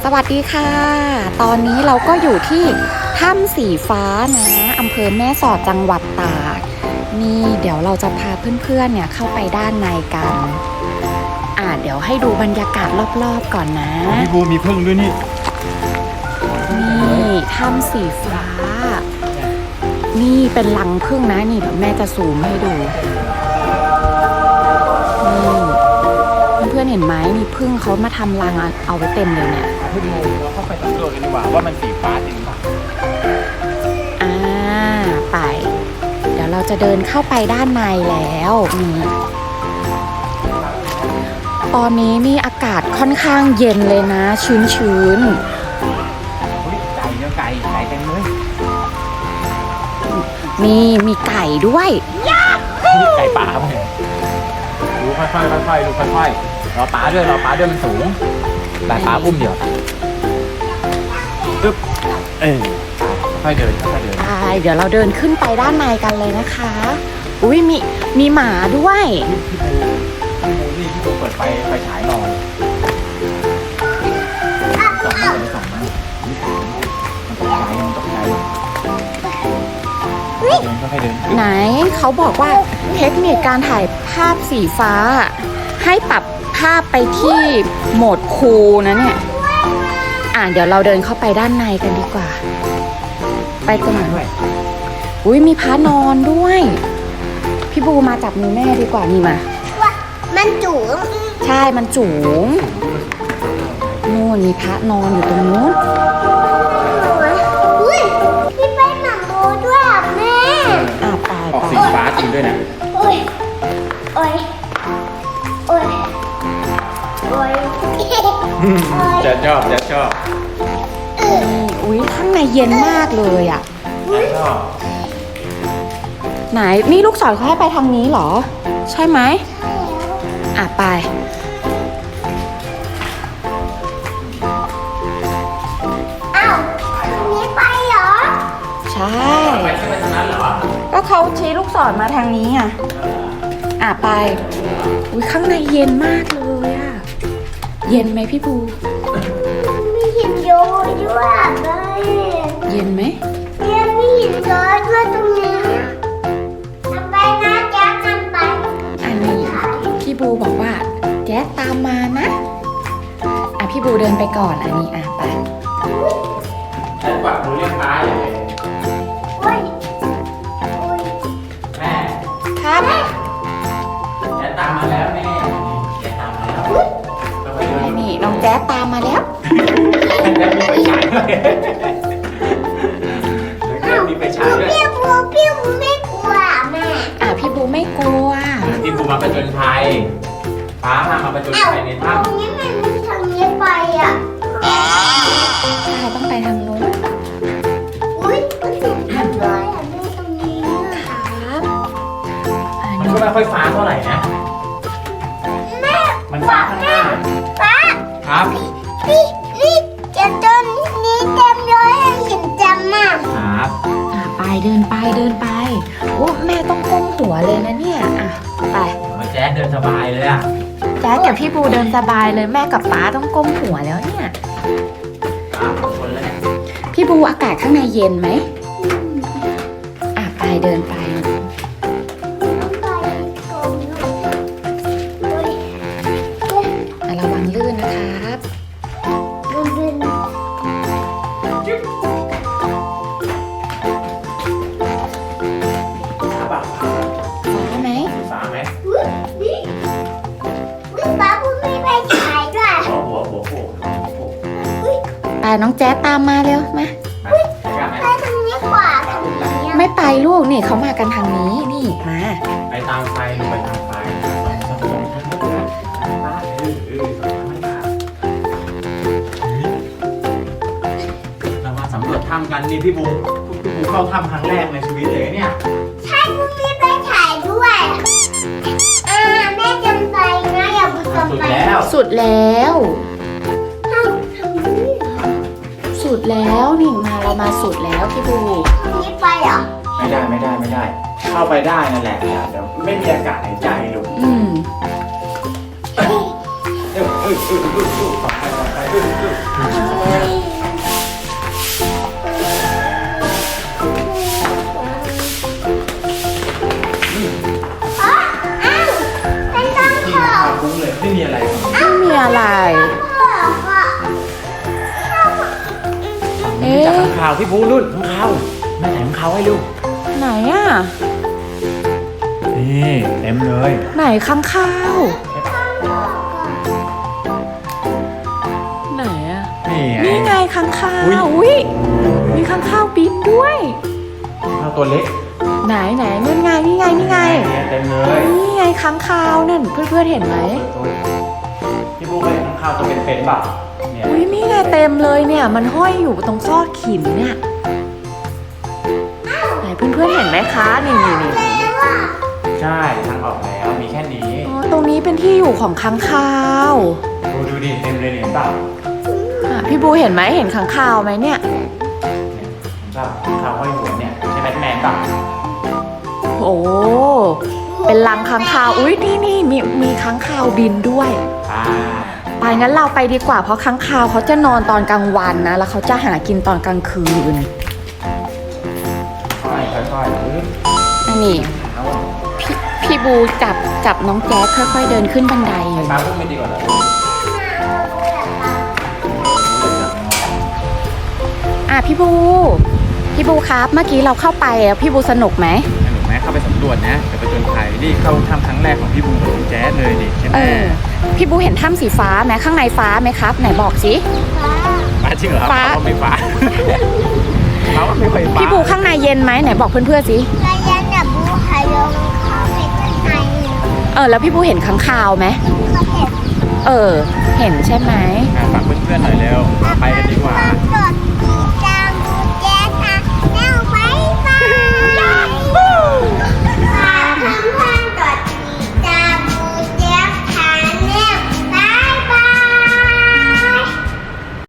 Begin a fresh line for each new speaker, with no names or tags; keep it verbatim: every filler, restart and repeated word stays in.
สวัสดีค่ะตอนนี้เราก็อยู่ที่ถ้ำสีฟ้านะอำเภอแม่สอดจังหวัดตากนี่เดี๋ยวเราจะพาเพื่อนๆเนี่ยเข้าไปด้านในกันอ่าเดี๋ยวให้ดูบรรยากาศรอบๆก่อนนะ
พี่บูมีพึ่งด้วยนี่
นี่ถ้ำสีฟ้านี่เป็นรังผึ้งนะนี่เดี๋ยวแม่จะซูมให้ดูนี่เพื่อนๆเห็นไหมมีผึ้งเขามาทำรังเอาไว้เต็มเลยเนี่ย
พี่บูเราเข้าไปสำรวจกันดีกว่าว่ามันสีฟ้าจริงหรือเปล่า
อ่าไปเดี๋ยวเราจะเดินเข้าไปด้านในแล้วนี่ตอนนี้นี่อากาศค่อนข้างเย็นเลยนะชื้น
ๆไก่เนื้อไก่ไก่เต็มเลย
มีมีไก่ด้วย
นี่ไก่ป่าป่ะเนี่ยดูค่อยๆค่อยๆดูค่อยๆรอป้าด้วยรอป้าด้วยมันสูงแต่ป้าอุ้มเดียวปึ๊บเออค่อยเดินค่อยเดิน
ใช่เดี๋ยวเราเดินขึ้นไปด้านในกันเลยนะคะอุ้ยมีมีหมาด้วย
พี่บูพี่บูนี่พี่บูเปิดไฟไฟฉายนอนส่องมันส่องมันมันตกใจมันตกใจเดินค่อยเดิน
ไหนเขาบอกว่าเทคนิคการถ่ายภาพสีฟ้าให้ปรับภาพไปที่โหมดคูลนะเนี่ยอ่ะเดี๋ยวเราเดินเข้าไปด้านในกันดีกว่าไปตรงไหนด้วยอุ้ยมีพระนอนด้วยพี่บูมาจับมือแม่ดีกว่านี่มา
ว่ามันจูง
ใช่มันจูงนู่นมีพระนอนอยู่ตรงนู้น
อุ้ยพี่ไปหนังโมด้วยอ่ะแม่
อ่ะไป
ออกสีฟ้าจริงด้วยนะ
โอ้ยโอ้ยโอ้ยโอ้ย
จะชอบจะชอบ
อุ้ยข้างในเย็นมากเลยอ่ะ
ชอบ
ไหนนี่ลูกศรเขาให้ไปทางนี้เหรอใช่ไหมอ่ะไป
อ้าวทางนี้ไปเหรอ
ใช่ไปใช่ไหมทางนั้นเหรอก็เขาชี้ลูกศรมาทางนี้อ่ะอ่ะไปอุ้ยข้างในเย็นมากเลยอ่ะเย็นไหมพี่ภู
มีหินโยนด้วยเลย
เย็นไหม
เนี่ยมีหินโยนด้วยตรงนี้ทำไปนะแจ๊คทำไป
อันนี้พี่บูบอกว่าแจ๊คตามมานะอ่ะพี่บูเดินไปก่อนอันนี้อ่ะไป
แจ๊คกวักมือเรียกป้าอย่างไร
โอ้ยโอ้ย
แม่
ครับ
แจ๊คตามมาแล้วแม่แจ๊คตามมาแล้ว
นี่น้องแจ๊คตามมาแล้ว
แจ๊คมีไปฉายด้วยแจ๊คมีไปฉายด้วย
พี่บูพี่บูไม่กลัวแม่
อ่ะพี่บูไม่กลัว
พี่บูมาประจนภัยป้ามามาประจนภัยในถ้ำ
ตรงนี้มันทางนี้ไปอ่ะ
ใช่ต้องไปทางนู้น
อุ้ยมันสูงจังเลยอ่ะดูตรงนี้
ครับ
มันก็ไม่ค่อยฟ้าเท่าไหร่นะ
แม่
มันฟ้าข้างหน้า
ฟ้า
ครับ
นี่นี่จะต้นนี้เต็มเลยเห็นจำมาก
ครับ
อ่ะไปเดินไปเดินไปโอ้แม่ต้องก้มหัวเลยนะเนี่ยอ่ะไป
แจ๊คเดินสบายเลยอ่ะ
แจ๊คกับพี่บูเดินสบายเลยแม่กับป๊าต้องก้มหัวแล้วเนี่ย
คนแรก
พี่บูอากาศข้างในเย็นไหมอ่ะไปเดินไประวังลื่นนะครับฟ้าไหม
ฟ้าไหม
นี่นี่ฟ้าพูดไม่ไปฉายด้วย
หัวหัวหัวโผล่
ไปน้องแจ๊สตามมาเร็วมา
ไปทางนี้กว่าทางนี้
ไม่ไปลูกนี่เขามากันทางนี้นี่มา
ไปตามไฟหรือไปทางไฟเรามาสำรวจถ้ำกันนี่พี่บูพี่บูเข้าถ้ำครั้งแรกในชีวิตเลยเนี่ย
ใช่พูดไม่ไปฉายด้วยอ่าแม่จำไปนะอย่าพูดจำไป
สุดแล้วสุดแล้วนี่มาเรามาสุดแล้วพี่บู
นี่ไปเหรอ
ไม่ได้ไม่ได้ไม่ได้เข้าไปได้นั่นแหละเดี๋ยวไม่มีอากาศหายใจลูก
อืม
เออเออเออเออ
อ๋ออ้าวเป็นต้อง
ที่
ขอ
ข้าวคุ้งเลยไม่มีอะไร
ไม่มีอะไร เอ๊ะ
จากข้างข่าวพี่บูรุ่นข้างข่าวแม่ถ่ายข้างข่าวให้ดู
ไหนอ่ะ
นี่เต็มเลย
ไหนค้างคาวไหนอ่ะ
นี่ไง
นี่ไงค้างคา
อุ๊ย
วอุ้ยมีค้างคาวบินด้วย
ข้าวตัวเล็ก
ไหนไหนนั่นไงนี่ไงนี่ไง
เนี่ยเต็มเลย
นี่ไงค้างคาวนั่นเพื่อนๆเห็นไหม
พี่บูเคยเห็นข้างข่าวตัวเป็นๆเปล่าเนี่ย
อุ้ยนี่ไงเต็มเลยเนี่ย มันห้อยอยู่ตรงซอกหินเนี่ยไหนเพื่อนๆเห็นไหมคะนี่นี่นี่
ใช่ทางออกแล้วมีแค่นี้
อ๋อตรงนี้เป็นที่อยู่ของค้างคาว
ดูดูดิเต็มเลยเนี่ยเห็นเปล่า
อ่ะพี่บูเห็นไหมเห็นค้างคาวไหมเนี่ย
เนี่ยเห็นเปล่าข้างข่าวห้อยหัวเนี่ยใช่แบทแมนเปล่า
โอ้เป็นรังค้างคาวอุ้ยนี่นี่มีมีค้างคาวบินด้วย
อ่า
ไปงั้นเราไปดีกว่าเพราะค้างคาวเขาจะนอนตอนกลางวันนะ แล้วเขาจะหากินตอนกลางคืน
ค่อยๆค่อยๆปึ๊บ
อันนี้
เอา
พี่พี่บูจับจับน้องแจ๊คค่อยๆเดินขึ้นบันได
ให้ป้าพูดไม่ดีกว่าเหรอ
อ่ะพี่บูพี่บูครับเมื่อกี้เราเข้าไปอ่ะพี่บูสนุกไหม
สนุกไหมเข้าไปสำรวจนะจะไปจนภัยนี่เข้าทำครั้งแรกของพี่บูกับน้องแจ๊สเลยดิใช่ไหม
เออพี่บูเห็นถ้ำสีฟ้าไหมข้างในฟ้าไหมครับ ไหนบอกสิ
ฟ้าจริงเหรอ
ฟ้า
เขาไม่ฟ้าเขาไม่เคยฟ้า
พี่บูข้างในเย็นไหมไหนบอกเพื่อนๆสิ
ระยะดับบูหายงเข้าไปข้างใน
เออแล้วพี่บูเห็นค้างคาวไหม
เขาเห็น
เออ เห็นใช่ไหม
อ่ะฝากเพื่อนๆหน่อยเร็วไปกัน